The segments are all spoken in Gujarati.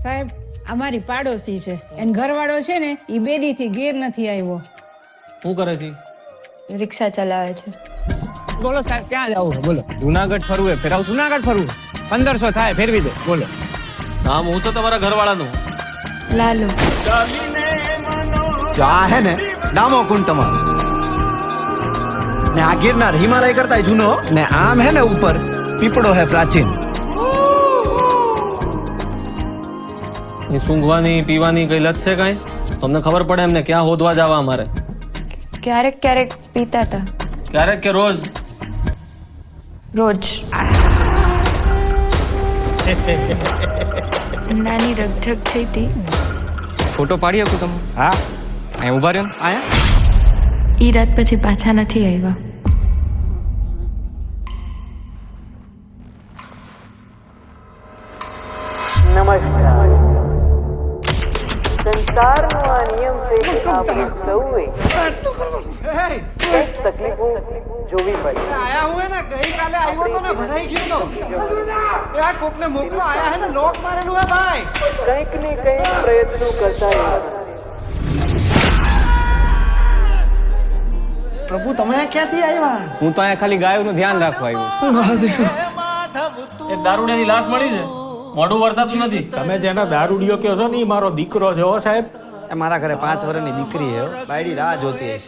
સાહેબ અમારી પાડોશી છે એન ઘરવાળો છે ને ઈ બેદીથી ઘેર નથી આવ્યો. શું કરે છે? રિક્ષા ચલાવે છે. બોલો સાહેબ ક્યાં જવું બોલો? જુનાગઢ ફરવું હે ફેરાવ. જુનાગઢ ફરવું 1500 થાય ફેરવી દો બોલો. નામ હું છે તમારા ઘરવાળાનું? લાલુ. જો આ હે ને ડામો કુંડ તમારો ને આ ગિરનાર હિમાલય કરતા જૂનો ને આમ હે ને ઉપર પીપળો હે પ્રાચીન. એ સૂંઘવાની પીવાની કઈ લત છે કાંઈ? તમને ખબર પડે એમને ક્યાં હોદવા જવા અમારે? ક્યારેક ક્યારેક પીતા હતા. ક્યારેક કે રોજ? રોજ. નાની રગઝગ થઈ હતી. ફોટો પાડી શકું તમે? હા અહીં ઉભા રહ્યો ને. આયા ઈ રાત પછી પાછા નથી આવ્યા. નમસ્કાર. સંસારનો આ નિયમ છે કે આપણે સૌએ કંઈક તકલીફો જોવી પડે. આયા હું હે ને ગઈકાલે આવ્યો તો ને ભરાઈ ગયો તો એ આ કોકને મોકલો આયા હે ને લોક મારેલું હે ભાઈ. કંઈક ને કંઈક પ્રયત્નો કરતા રહેવાના. પ્રભુ તમે ક્યાંથી આવ્યા? હું તો અહીંયા ખાલી ગાયોનું ધ્યાન રાખવા આવ્યો. એક દારૂડિયાની લાશ મળી છે, મોઢું વર્તાતું નથી. તમે જેનો દારૂડિયો કહો છો ને ઈ મારો દીકરો છે હો સાહેબ. એ મારા ઘરે 5 વર્ષની દીકરી હે બાયડી રાહ જોતી હશે.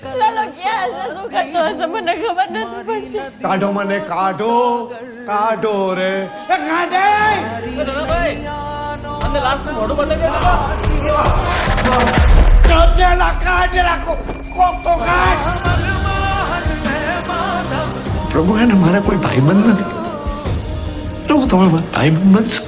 કાઢો મને કાઢો કાઢો રે એ કાઢે. તમને લાશ મોઢું બતાવી દે. કાઢેલા કાઢેલા કોક તો કાઢ. પ્રભુ એને મારા કોઈ ભાઈબંધ નથી. પ્રભુ તમે મારા ભાઈબંધ બનશો.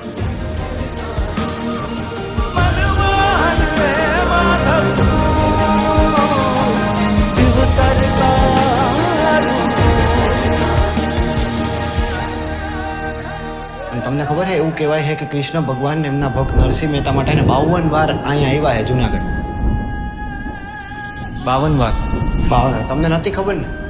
તમને ખબર છે એવું કહેવાય છે કે કૃષ્ણ ભગવાન એમના ભક્ત નરસિંહ મહેતા માટે 52 વાર અહીંયા આવ્યા છે જુનાગઢ. 52 વાર? 52 તમને નથી ખબર ને?